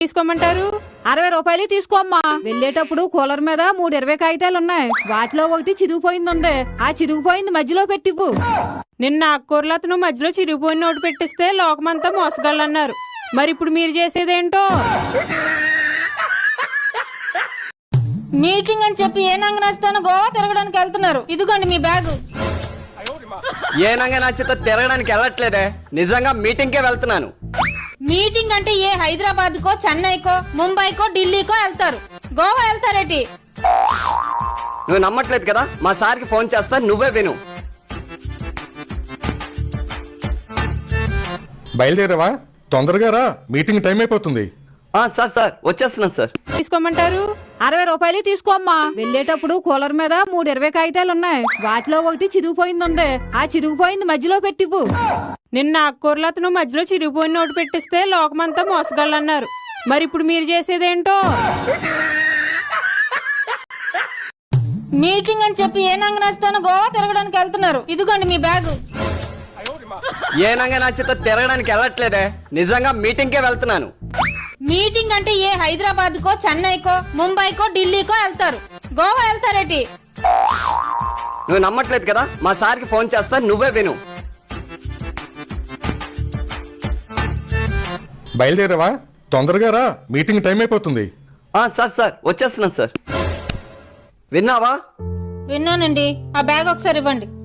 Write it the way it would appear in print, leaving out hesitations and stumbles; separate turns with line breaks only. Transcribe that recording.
తీసుకోమంటారు?
60 రూపాయలు తీసుకోమ్మా. వెళ్ళేటప్పుడు కూలర్ మీద 3 20 కాగితాలు ఉన్నాయి. వాటిలో ఒకటి చిరిగిపోయింది ఉంది. ఆ చిరిగిపోయింది మధ్యలో పెట్టివ్వు.
నిన్న ఆకుకూరలు అతను మధ్యలో చిరిగిపోయిన నోటు పెట్టిస్తే లోకమంతా మోసగాళ్ళన్నారు. మరి ఇప్పుడు మీరు చేసేదేంటో?
మీటింగ్ అని చెప్పి ఏ నంగనాస్తానో గోవా తిరగడానికి వెళ్తున్నారు. ఇదిగోండి మీ బ్యాగు.
ఏ నంగ నచ్చితే తిరగడానికి వెళ్ళట్లేదే, నిజంగా మీటింగ్ కే వెళ్తున్నాను.
మీటింగ్ అంటే ఏ హైదరాబాద్ కో, చెన్నైకో, ముంబైకో, ఢిల్లీకో వెళ్తారు. గోవా వెళ్తారేటి?
నువ్వు నమ్మట్లేదు కదా, మా సార్కి ఫోన్ చేస్తా, నువ్వే విను.
బయలుదేరావా? తొందరగా రా, మీటింగ్ టైం అయిపోతుంది.
సార్ వచ్చేస్తున్నాను సార్.
తీసుకోమంటారు?
60 రూపాయలు తీసుకోమ్మా. వెళ్ళేటప్పుడు కూలర్ మీద 3 20 కాగితాలు ఉన్నాయి. వాటిలో ఒకటి చిరిగిపోయింది ఉంది. ఆ చిరిగిపోయింది మధ్యలో పెట్టివ్వు.
నిన్న ఆకుకూరలు అతను మధ్యలో చిరిగిపోయిన నోటు పెట్టిస్తే లోకమంతా మోసగాళ్ళన్నారు. మరి ఇప్పుడు మీరు చేసేదేంటో?
మీటింగ్ అని చెప్పి ఏ నంగనాస్తానో గోవా తిరగడానికి వెళ్తున్నారు. ఇదిగోండి మీ బ్యాగు.
ఏ నంగ నచ్చితే తిరగడానికి వెళ్ళట్లేదే, నిజంగా మీటింగ్ కే వెళ్తున్నాను.
మీటింగ్ అంటే ఏ హైదరాబాద్ కో, చెన్నైకో, ముంబైకో, ఢిల్లీకో వెళ్తారు. గోవా వెళ్తారేటి?
నువ్వు నమ్మట్లేదు కదా, మా సార్కి ఫోన్ చేస్తా, నువ్వే విను.
బయలుదేరావా? తొందరగా రా, మీటింగ్ టైం అయిపోతుంది.
సార్ వచ్చేస్తున్నాను సార్. విన్నావా?
విన్నానండి. ఆ బ్యాగ్ ఒకసారి ఇవ్వండి.